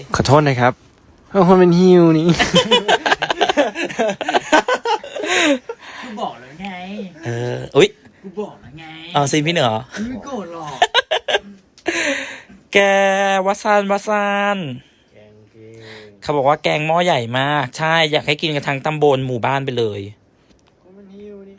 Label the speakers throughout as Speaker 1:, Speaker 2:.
Speaker 1: ขอโทษนะครับเพราะคนเป็นฮิวนี่
Speaker 2: กูบอกแล้วไง
Speaker 3: อุ๊ย
Speaker 2: กูบอกแล้วไง
Speaker 3: เอาซิพี่เหนือ
Speaker 2: ไม่โกรธหรอก
Speaker 3: แกวัซานเขาบอกว่าแกงหม้อใหญ่มากใช่อยากให้กินกันทั้งตำบลหมู่บ้านไปเลยคนมันหิวนี่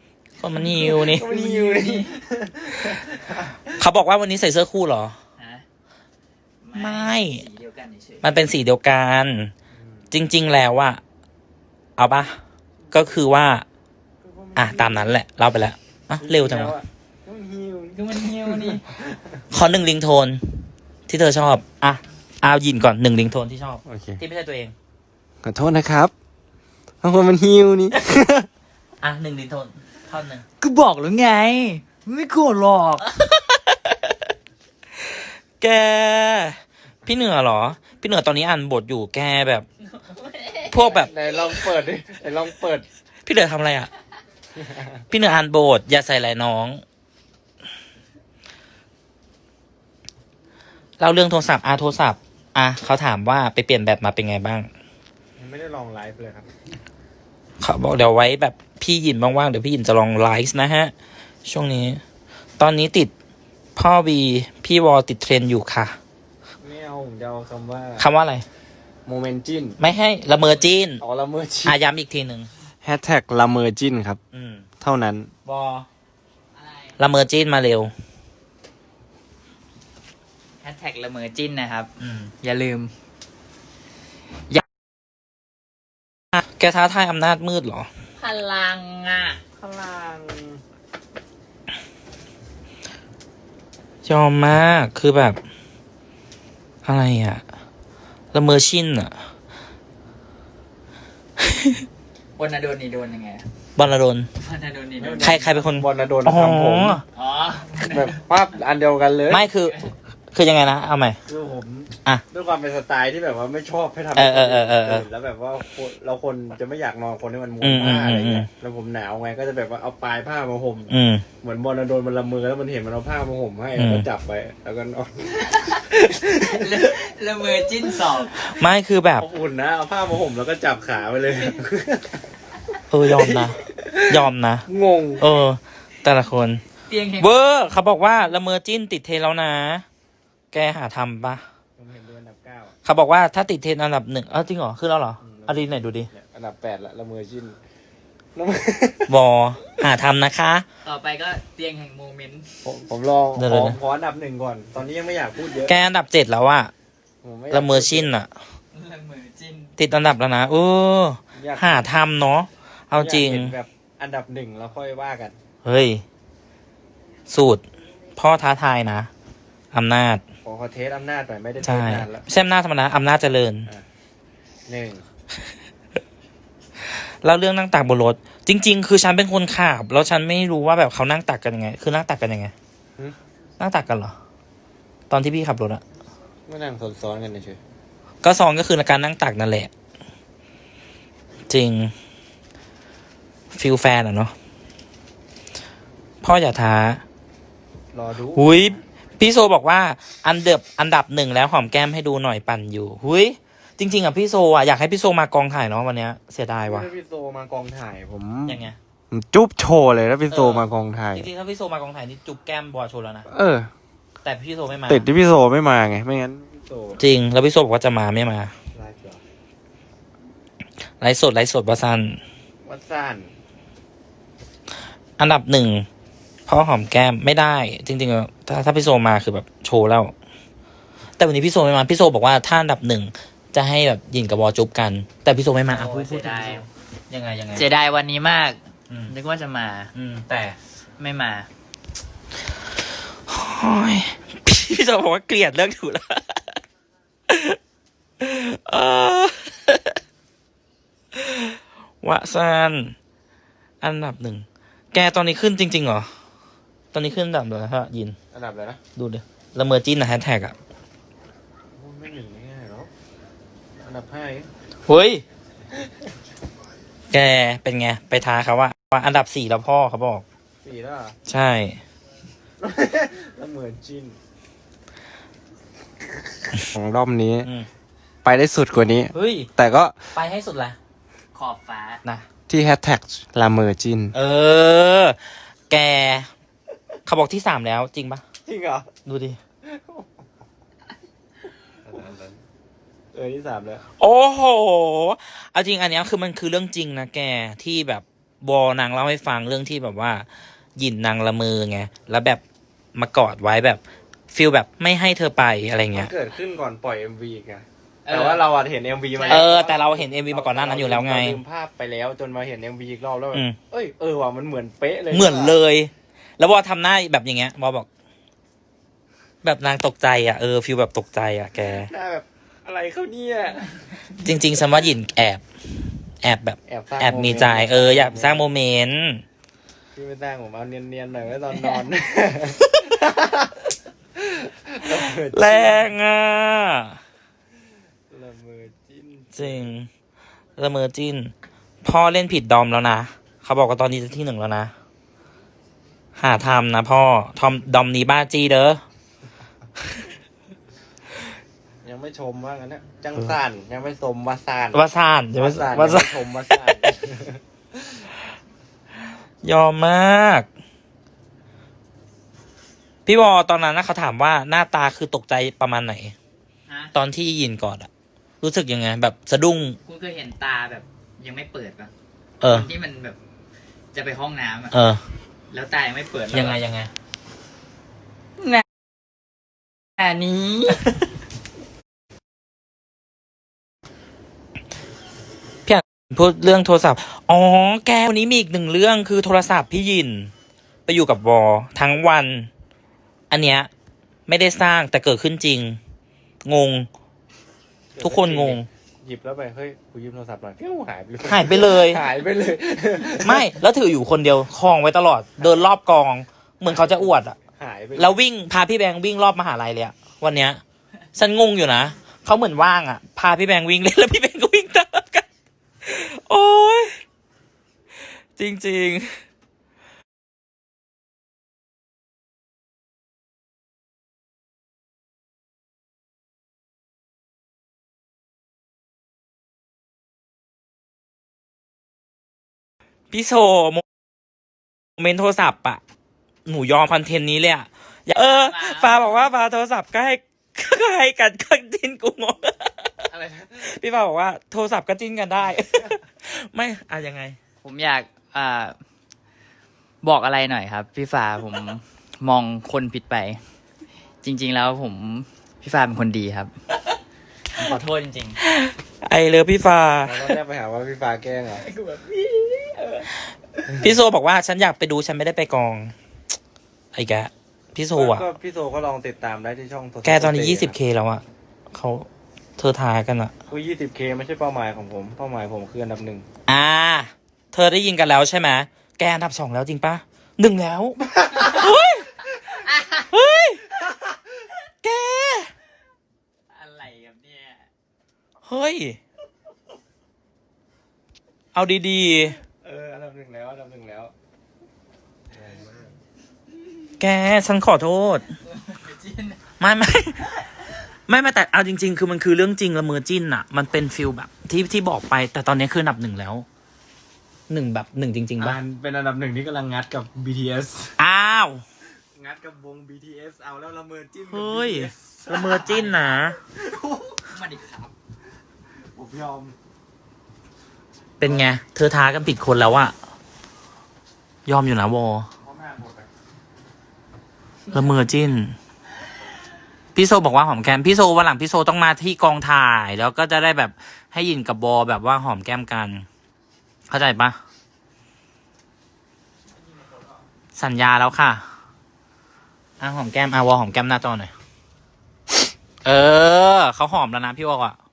Speaker 3: เขาบอกว่าวันนี้ใส่เสื้อคู่เหรอ
Speaker 2: ฮะ
Speaker 3: ไม่
Speaker 2: สีเดียวกันเฉย
Speaker 3: มันเป็นสีเดียวกัน จริงๆแล้วอะเอาปะก็คือว่าตามนั้นแหละเล่าไปแล้วเร็วจังวะ
Speaker 2: ๆก็มันหิวนี่
Speaker 3: ขอ1 ริงโทนที่เธอชอบเอายินก่อน1 ริงโทนที่ชอบ
Speaker 1: โอเค
Speaker 3: ที่ไม่ใช่ตัวเอง
Speaker 1: ขอโทษนะครับเพราะคนเป็นฮิวนี่
Speaker 3: 1 ริงโทนท่อนหนึ่ง
Speaker 2: กูบอกแล้วไง ไม่โกรธหรอก
Speaker 3: แกพี่เหนือเหรอพี่เหนือตอนนี้อ่านบทอยู่แกแบบ พวกแบบ
Speaker 1: ไหนลองเปิดดิไหนลองเปิด
Speaker 3: พี่เหนือทำอะไรอ่ะ พี่เหนืออ่านบทอย่าใส่หลายน้องเล่าเรื่องโทรศัพท์โทรศัพท์เขาถามว่าไปเปลี่ยนแบตมาเป็นไงบ้าง
Speaker 1: ไม่ได้ลองไลฟ์เลยครับ
Speaker 3: เขาบอกเดี๋ยวไว้แบบพี่หยินว่างๆเดี๋ยวพี่หยินจะลองไลฟ์นะฮะช่วงนี้ตอนนี้ติดพ่อวีพี่วอติดเทรนอยู่ค่ะ
Speaker 1: ไม่เอาผมจะเอาคำว่า
Speaker 3: คำว่าอะไร
Speaker 1: โมเมนจิน
Speaker 3: ไม่ให้ละเมอจีน
Speaker 1: อ๋อละเมอจิน
Speaker 3: ย้ำอีกทีหนึ่ง
Speaker 1: แฮชแท็กละเมอจินครับ เท่านั้น
Speaker 3: วอละเมอจีนมาเร็ว
Speaker 2: แฮชแท็กละเมอจิ้นนะครับ อย่าลืม
Speaker 3: แกท้าทายอำนาจมืดเหรอ
Speaker 2: พลังอ่ะ
Speaker 1: พลัง
Speaker 3: ยอมมากคือแบบ อะไรอะละเมอชินอะ
Speaker 2: บนนาโดนนี่โดนยังไง
Speaker 3: บอลลดน
Speaker 2: บนนาโดนนี่โดน
Speaker 3: ใครเป็นคน
Speaker 1: บอลนะโดน
Speaker 3: อ๋อ
Speaker 1: ทำผม
Speaker 2: อ๋อ
Speaker 1: แบบภาพอันเดียวกันเลย
Speaker 3: ไม่คือยังไงนะเอาใหม่
Speaker 1: คือผม
Speaker 3: อ่ะ
Speaker 1: ด้วยความเป็นสไตล์ที่แบบว่าไม่ชอบให้ทำ
Speaker 3: เออ
Speaker 1: แล้วแบบว่าเราคนจะไม่อยากนอนคนที่มันม้ว
Speaker 3: อื
Speaker 1: น
Speaker 3: ม
Speaker 1: ผ้าอะไรเงี้
Speaker 3: อื
Speaker 1: ย
Speaker 3: ม
Speaker 1: แล้วผมหนาวไงก็จะแบบว่าเอาปลายผ้ามาห่ม
Speaker 3: อืม
Speaker 1: เหมือนบอลนะโดนมันละมือแล้วมันเห็นมันเอาผ้ามาห่มให้
Speaker 3: อืม
Speaker 1: แล้วก็จับไปแล้วก็นอน
Speaker 2: ละเมอจิ้นสอง
Speaker 3: ไม่คือแบบ
Speaker 1: อบอุ่นนะเอาผ้ามาห่มแล้วก็จับขาไปเลย
Speaker 3: ยอมนะ ยอมนะ
Speaker 1: งง
Speaker 3: แต่ละคน
Speaker 2: เตียงแห่ง
Speaker 3: เวอร์เขาบอกว่าละเมอจิ้นติดเทรนด์แล้วนะ แกหาทำปะ
Speaker 1: ผมเห็นดูอันดับ 9
Speaker 3: เขาบอกว่าถ้าติดเทรนด์อันดับ 1จริงเหรอขึ้นแล้วเหรอเอาดีไหนดูดิ
Speaker 1: เนี่ยอันดับ 8ละละเมอจิน
Speaker 3: วอหาทำนะคะ
Speaker 2: ต่อไปก็เตียงแห่งโมเมนต์
Speaker 1: ผมลอง
Speaker 3: เดี๋ยว
Speaker 1: ขอ
Speaker 3: นะ
Speaker 1: ขออันดับ 1ก่อน ตอนนี้ยังไม่อยากพูดเยอะ
Speaker 3: แกอันดับ 7แล้วอะ
Speaker 1: ผมไยาก
Speaker 3: ละเมอชินอะ
Speaker 2: ละเมอจิ้น
Speaker 3: ติดอันดับแล้วนะ
Speaker 1: อยาก
Speaker 3: หาทำเนาะเอาจริง
Speaker 1: ยกห็นแบบอันดับ 1แล้วค่อยว่ากัน
Speaker 3: เฮ้ย สูตร พ่อท้าทายนะอำนาจ
Speaker 1: ขอเทสอำนาจหน่อยไม่ได้เท
Speaker 3: ใช่
Speaker 1: สนานแล้ว
Speaker 3: ไม่ใช่อำนาจธรรมดาอำนาจเจริญ
Speaker 1: 1
Speaker 3: แล้วเรื่องนั่งตักบนรถ จริง ๆ คือฉันเป็นคนขับแล้วฉันไม่รู้ว่าแบบเขานั่งตักกันยังไง คือนั่งตักกันยังไง นั่งตักกันเหรอ ตอนที่พี่ขับรถอะ
Speaker 1: ไม่นั่งซ้อนๆกันเฉย
Speaker 3: ก็ซองก็คือการนั่งตักนั่นแหละ จริงฟิลแฟนอะเนาะพ่ออย่าท้าร
Speaker 1: อดู
Speaker 3: หุยพี่โซบอกว่าอันดับ 1แล้วหอมแก้มให้ดูหน่อยปั่นอยู่หุยจริง ๆอะพี่โซอะอยากให้พี่โซมากองถ่ายเนาะวันเนี้ยเสียดายว่ะ
Speaker 1: ถ้าพี่โซมากองถ่ายผม
Speaker 3: ยังไง
Speaker 1: ผมจุ๊บโชว์เลยถ้าพี่โซมากองถ่าย
Speaker 3: จริงๆถ้าพี่โซมากองถ่ายนี่จุ๊บแก้มบอโชว์แล้วนะ แต่พี่โซไม่มา
Speaker 1: ติดที่พี่โซไม่มาไง ไม่งั้นพี่โซ
Speaker 3: จริง แล้วพี่โซบอกว่าจะมาไม่มา
Speaker 1: ไลฟ์เหรอ
Speaker 3: ไลฟ์สดบาซัน
Speaker 1: วัดซ่าน
Speaker 3: อันดับ 1พ่อหอมแก้มไม่ได้ จริงๆอะถ้าพี่โซมาคือแบบโชว์แล้ว แต่วันนี้พี่โซไม่มาพี่โซบอกว่าถ้าอันดับ 1จะให้แบบยินกับบอจุ๊บกัน แต่พี่โซไม่มาพูด
Speaker 2: เสียดาย
Speaker 3: ยังไง
Speaker 2: เสียดายวันนี้มาก นึกว่าจะมา
Speaker 3: แต่
Speaker 2: ไม่มา
Speaker 3: โอ้ยพี่โซบอกว่าเกลียดเลิกถูแล้ววะซานอันดับ 1แกตอนนี้ขึ้นจริงๆเหรอตอนนี้ขึ้นอันดับเลยฮะยิน
Speaker 1: อันดับอะไรนะ
Speaker 3: ดูดิละเมอจิ้นนะแฮชแท็กอะ
Speaker 1: ไม่หนึ่งง่ายๆหรอกอันดับ 5เอง
Speaker 3: เฮ้ย แกเป็นไง ไปท้าเขาว่าอันดับ 4แล้วพ่อเขาบอก
Speaker 1: 4แล้วเหรอ
Speaker 3: ใช่
Speaker 1: แล้วเหมือนจินของรอบนี้
Speaker 3: อืม
Speaker 1: ไปได้สุดกว่านี้
Speaker 3: เฮ้ย
Speaker 1: แต่ก็
Speaker 3: ไปให้สุดละ
Speaker 2: ขอบฟ้า
Speaker 3: นะ
Speaker 1: ที่แฮชแท็กลาเมอร์จิน
Speaker 3: เออ แก เขาบอกที่สามแล้วจริงปะ
Speaker 1: จริงเหรอ
Speaker 3: ดูดิ
Speaker 1: ที่สามแล้ว
Speaker 3: โอ้โห เอาจริงอันเนี้ยคือมันคือเรื่องจริงนะแกที่แบบนางเล่าให้ฟังเรื่องที่แบบว่าหยินนางละเมอไงแล้วแบบมากอดไว้แบบฟีลแบบไม่ให้เธอไปอะไร
Speaker 1: มั
Speaker 3: เงี้
Speaker 1: น
Speaker 3: ย
Speaker 1: เกิดขึ้นก่อนปล่อย MV อีกไงแต่ว่าเราอะเห็น MV มา
Speaker 3: เออแต่เราเห็น MV มาก่อนหน้านั้นอยู่แล้วไง
Speaker 1: เราลืมภาพไปแล้วจนมาเห็น MV อีกรอบแล้วแบบ
Speaker 3: อืม
Speaker 1: เอ้ยว่ะมันเหมือนเป๊ะเลย
Speaker 3: เหมือนเลย แล้ววอทำหน้าแบบอย่างเงี้ยวอบอก แบบนางตกใจอ่ะฟีลแบบตกใจอ่ะแก
Speaker 1: หน้าแบบอะไรเขาเนี่ย
Speaker 3: จริงๆฉันว่าหยินแอบแบบ
Speaker 1: สร้าง
Speaker 3: แอบมีใจอยากสร้างโมเมนต์
Speaker 1: พี่ไม่สร้างผมเอาเนียนๆหน่อยไว้ตอนนอน
Speaker 3: แรงอ่ะ
Speaker 1: ละเมอจิ้น
Speaker 3: จริงละเมอจิ้นพ่อเล่นผิดดอมแล้วนะเขาบอกว่าตอนนี้จะที่หนึ่งแล้วนะหาทำนะพ่อดอมนี้บ้าจี้เด้อ
Speaker 1: ยังไม่ชมว่างั้นนะจังซ่านยังไม่ชมว่าซ่าน
Speaker 3: ว่าซ่านจะว่า
Speaker 1: ซ่าน
Speaker 3: ว่า
Speaker 1: ยัง
Speaker 3: ซ่า
Speaker 1: ไม่
Speaker 3: น
Speaker 1: ชมว่าซ่าน
Speaker 3: ยอมมาก พี่วอตอนนั้นนะเขาถามว่าหน้าตาคือตกใจประมาณไหน
Speaker 2: ฮะ
Speaker 3: ตอนที่ยินก่อนอะรู้สึกยังไง แบบสะดุ้ง
Speaker 2: คุณเคยเห็นตาแบบยังไม่เปิดปะ
Speaker 3: เออ
Speaker 2: คนที่มันแบบจะไปห้องน้ำอะ
Speaker 3: เออ
Speaker 2: แล้วตายังไม่เปิดแล้ว
Speaker 3: ยังไง
Speaker 2: อันนี้
Speaker 3: พี่อ่านพูดเรื่องโทรศัพท์อ๋อแกวันนี้มีอีกหนึ่งเรื่องคือโทรศัพท์พี่ยิน ไปอยู่กับวอทั้งวัน อันเนี้ยไม่ได้สร้างแต่เกิดขึ้นจริง งง ทุกคนงง
Speaker 1: หยิบแล้วไปเฮ้ยกูยืมโทรศัพท์หน่อยฟิวหายไปเลย
Speaker 3: หายไปเลย
Speaker 1: หายไปเลย
Speaker 3: ไม่แล้วถืออยู่คนเดียวคลองไว้ตลอด เดินรอบกอง เหมือนเขาจะอวดอะ
Speaker 1: หายไป
Speaker 3: แล้ววิ่งพาพี่แบงค์วิ่งรอบมหาลัยเลยอะวันเนี้ยฉันงงอยู่นะเขาเหมือนว่างอะพาพี่แบงค์วิ่งเล่นแล้วพี่แบงค์ก็วิ่งตามกัน โอ้ยจริงๆพี่โชว์โมเมนต์โทรศัพท์อะหนูยอมคอนเทนต์นี้เลยอะฟ้าบอกว่าฟ้าโทรศัพท์ก็ให้ก็ให้กันก็จิ้นกูงง
Speaker 1: อะไรนะ
Speaker 3: พี่ฟ้าบอกว่าโทรศัพท์ก็จิ้นกันได้ ไม่อะยังไง
Speaker 2: ผมอยากบอกอะไรหน่อยครับ พี่ฟ้าผม มองคนผิดไป จริง ๆ แล้วพี่ฟ้าเป็นคนดีครับผมขอโทษจริง
Speaker 3: ไอเลิฟพี่ฟ้า
Speaker 1: เราก็ได้ไปหาว่าพี่ฟ้าแกล้งเหรอ
Speaker 3: พี่โซบอกว่าฉันอยากไปดูฉันไม่ได้ไปกอง ไอ้แกพี่โซอ่ะ
Speaker 1: ก็พี่โซก็ลองติดตามได้ที่ช่องโทรศัพท์
Speaker 3: แกตอนนี้ 20K แล้วอ่ะเธอทายกันอ่ะ
Speaker 1: คือ 20K ไม่ใช่เป้าหมายของผม เป้าหมายผมคืออันดับหนึ่ง
Speaker 3: เธอได้ยินกันแล้วใช่ไหมแกอันดับ 2แล้วจริงปะ1แล้ว เฮ้ย เฮ้ย แก
Speaker 2: ๆ อะไรครับเนี่ย
Speaker 3: เฮ้ย เอาดี
Speaker 1: อันดับหนึ่งแล้วอันดับหนึ่งแล้ว
Speaker 3: ๆ แกฉันขอโทษ ไม่แต่เอาจริง ๆ คือมันคือเรื่องจริงละเมอจิ้นอะมันเป็นฟิลแบบที่บอกไป แต่ตอนนี้คืออันดับ 1แล้วแบบ1จริงๆป่ะ
Speaker 1: เป็นอันดับหนึ่งที่กำลังงัดกับ BTS
Speaker 3: อ้าว
Speaker 1: งัดกับวง BTS เอาแล้วละเมอจิ้นกับ
Speaker 3: เฮ้ย
Speaker 1: BTS
Speaker 3: ละเมอจิ้นนะ
Speaker 2: มาดิครับ
Speaker 1: ผมยอม
Speaker 3: เป็นไง เธอท้ากันผิดคนแล้วอะยอมอยู่นะวอ
Speaker 1: เพราะแม่หมดอะ
Speaker 3: ละเมอจิ้น พี่โซบอกว่าหอมแก้มพี่โซวันหลังพี่โซต้องมาที่กองถ่าย แล้วก็จะได้แบบให้ยินกับบอแบบว่าหอมแก้มกัน เข้าใจปะสัญญาแล้วค่ะหอมแก้มวอหอมแก้มหน้าจอหน่อยเขาหอมแล้วนะพี่วออะ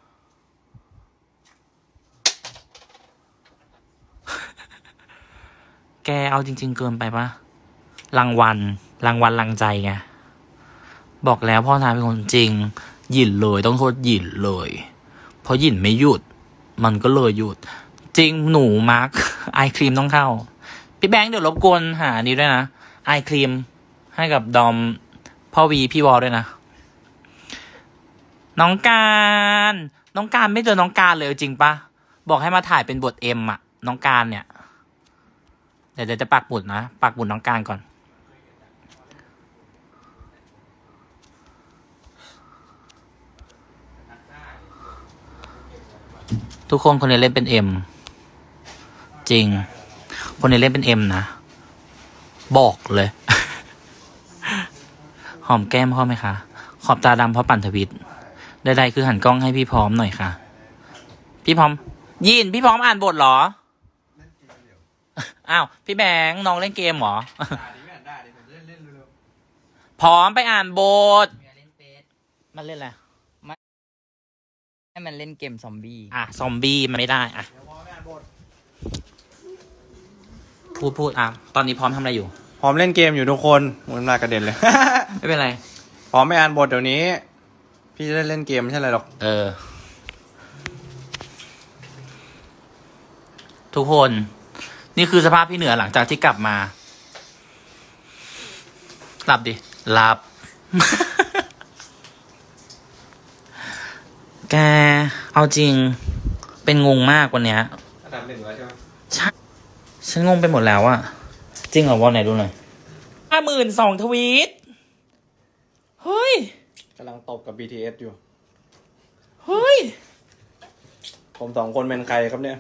Speaker 3: แกเอาจริง ๆ เกินไปปะรางวัลรางใจไงบอกแล้วพ่อทายเป็นคนจริงหยินเลยต้องโทษหยินเลยเพราะหยินไม่หยุดมันก็เลยหยุดจริงหนูมาร์ค ไอครีมต้องเข้าพี่แบงค์เดี๋ยวรบกวนหานี้ด้วยนะไอครีมให้กับดอมพ่อวีพี่วอลด้วยนะน้องการน้องการไม่เจอน้องการเลยจริงปะบอกให้มาถ่ายเป็นบทเอ็มอะน้องการเนี่ยเดี๋ยวจะปักหมุดนะปักหมุดน้องการก่อนทุกคนคนนี้เล่นเป็นเอ็มจริงคนนี้เล่นเป็นเอ็มนะบอกเลย หอมแก้มพ่อไหมคะขอบตาดำเพราะปั่นทวิตใดๆคือหันกล้องให้พี่พร้อมหน่อยค่ะพี่พร้อมยินพี่พร้อมอ่านบทเหรออ้าวพี่แบงค์น้องเล่นเกมเหรอพร้อมไปอ่านบทมันเล่นอะไร
Speaker 2: ให้มันเล่นเกมซอมบี้
Speaker 3: ซอมบี้มันไม่ได้พูดตอนนี้พร้อมทำอะไรอยู่
Speaker 1: พร้อมเล่นเกมอยู่ทุกคนมันมากระเด็นเลย
Speaker 3: ไม่เป็นไร
Speaker 1: พร้อมไปอ่านบทเดี๋ยวนี้ พี่จะได้เล่นเกมไม่ใช่อะไรหรอก
Speaker 3: ทุกคนนี่คือสภาพพี่เหนือหลังจากที่กลับมาหลับดิหลับ แกเอาจริงเป็นงงมากวันเนี้ย
Speaker 1: อันดับ 1แล้วใช่ไหม
Speaker 3: ฉันงงไปหมดแล้วอะจริงเหรอวอลไหนดูหน่อย52,000 ทวีตเฮ้ย
Speaker 1: กำลังตบกับ BTS อยู่
Speaker 3: เฮ้ย
Speaker 1: ผม2 คนเป็นใครครับเนี่ย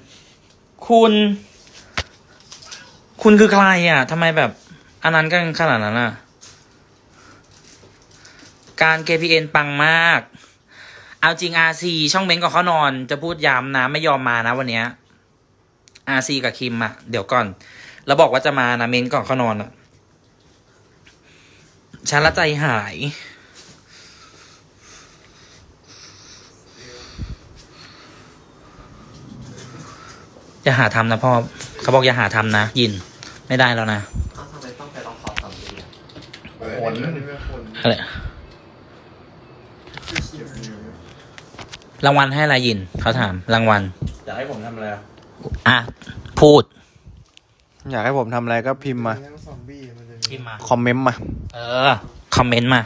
Speaker 3: คุณคือใครอ่ะทำไมแบบอันนั้นกันขนาดนั้นอ่ะการ KPN ปังมากเอาจริง RC ช่องเม้นกับเขานอนจะพูดย้ำนะไม่ยอมมานะวันเนี้ย RC กับคิมอ่ะเดี๋ยวก่อนแล้วบอกว่าจะมานะเม้นก่อนเขานอนอ่ะฉันละใจหายอย่าหาทำนะพ่อเขาบอกอย่าหาทำนะยินไม่ได้แล้วนะ
Speaker 1: ทำไมต้องไปลองขอทำดีผล
Speaker 3: อะไรรางวัลให้อะไรยินเขาถามรางวัล
Speaker 1: อยากให้ผมทำอะไร
Speaker 3: พูด
Speaker 1: อยากให้ผมทำอะไรก็พิมพ์มา
Speaker 3: พิมพ์มา
Speaker 1: คอมเมนต์มา
Speaker 3: คอมเมนต์มา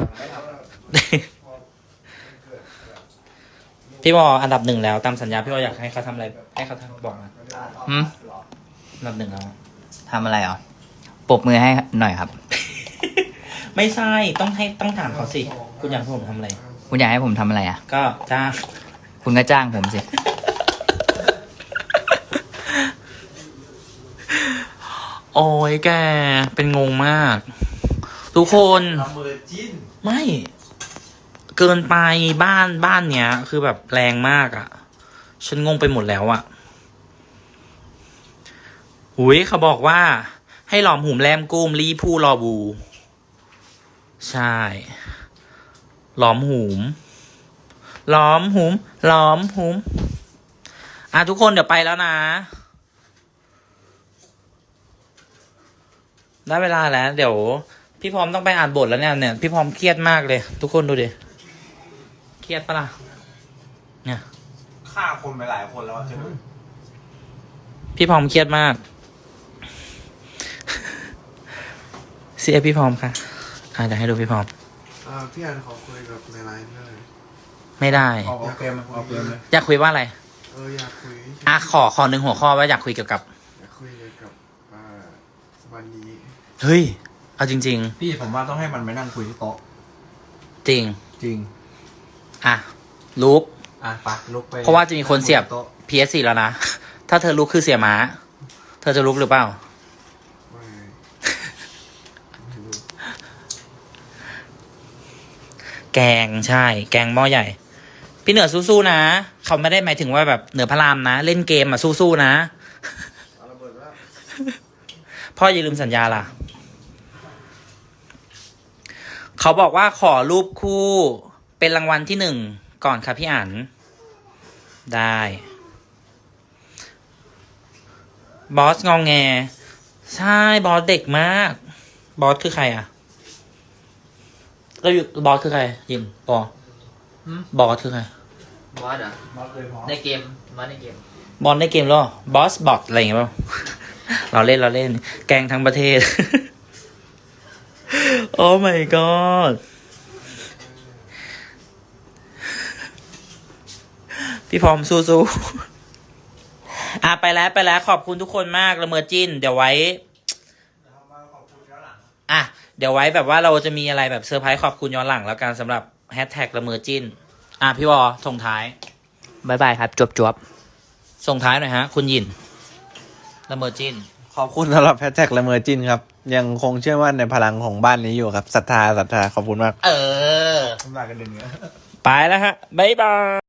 Speaker 3: พี่บออันดับ 1แล้วตามสัญญาพี่บออยากให้เขาทำอะไรให้เขาทำบอกมาอันดับ 1แล้ว
Speaker 2: ทำอะไรอ่ะปรบมือให้หน่อยครับ
Speaker 3: ไม่ใช่ต้องถามเขาสิคุณอยากให้ผมทำอะไร
Speaker 2: คุณอยากให้ผมทำอะไรอ่ะ
Speaker 3: ก็จ้าง
Speaker 2: คุณก็จ้างผมสิ
Speaker 3: โอ้ยแกเป็นงงมาก ทุกคนไม่เกินไปบ้านเนี้ยคือแบบแรงมากอ่ะฉันงงไปหมดแล้วอ่ะหุยเขาบอกว่าให้หลอมหุมแรมกุ้มรีผู้รอบูใช่หลอมหุมทุกคนเดี๋ยวไปแล้วนะได้เวลาแล้วเดี๋ยวพี่พร้อมต้องไปอ่านบทแล้วเนี่ยพี่พร้อมเครียดมากเลยทุกคนดูดิเครียดปะล่ะเนี่ย
Speaker 1: ฆ่าคนไปหลายคนแล้วใช่ไหม
Speaker 3: พี่พร้อมเครียดมากเสียพี่พร้อมค่ะเดี๋ยวให้ดูพี่พร้อม
Speaker 4: พี่อันขอคุยกับในไลน์ได้ไหม
Speaker 3: ไม่ได้
Speaker 1: เอาเกมเลย
Speaker 3: อยากคุยว่าอะไร
Speaker 4: อยากคุย
Speaker 3: ขอหนึ่งหัวข้อว่าอยากคุยเกี่ยวกับ
Speaker 4: อยากคุยเกี่ยวกับวันนี้
Speaker 3: เฮ้ยเอาจริง
Speaker 1: พี่ผมว่าต้องให้มันไปนั่งคุยที่โต๊ะ
Speaker 3: ๆจริง
Speaker 1: จริง
Speaker 3: ลุก
Speaker 1: ไปลุกไป
Speaker 3: เพราะว่าจะมีคนเสียบ
Speaker 1: โต๊ะ
Speaker 3: PS4 แล้วนะ ถ้าเธอลุกคือเสียม้า เธอจะลุกหรือเปล่า
Speaker 4: ไม่รู้
Speaker 3: แกงใช่ แกงหม้อใหญ่ พี่เหนือสู้ๆนะ เขาไม่ได้หมายถึงว่าแบบเหนือพระรามนะ เล่นเกมสู้ๆนะ
Speaker 4: เอาระเบิดแล้ว
Speaker 3: พ่ออย่าลืมสัญญาล่ะ เขาบอกว่าขอรูปคู่เป็นรางวัลที่ 1ก่อนค่ะพี่อั๋นได้ บอสงองแงใช่บอสเด็กมาก บอสคือใครอ่ะเราอยู่บอสคือใครยินบอสคือใคร
Speaker 2: บอสเหรอในเกมบอสในเกม
Speaker 3: บอลในเกมหรอบอสบอทอะไรอย่างเงี้ยเปล่า เราเล่นแกงทั้งประเทศ โอ้ my god พี่พร้อมสู้ๆ ไปแล้วขอบคุณทุกคนมากละเมอจิ้น เดี๋ยวไว้เดี๋ยวไว้แบบว่าเราจะมีอะไรแบบเซอร์ไพรส์ขอบคุณย้อนหลังแล้วกันสำหรับแฮชแท็กละเมอจิ้นพี่วอส่งท้าย
Speaker 2: บ๊ายบายครับ จวบ
Speaker 3: ส่งท้ายหน่อยฮะ คุณหยินละเมอจิ้น
Speaker 1: ขอบคุณสำหรับแฮชแท็กละเมอจินครับ ยังคงเชื่อมั่นในพลังของบ้านนี้อยู่ครับศรัทธาขอบคุณมาก
Speaker 3: น้ำลายกันเดือนไปแล้วฮะบ๊ายบาย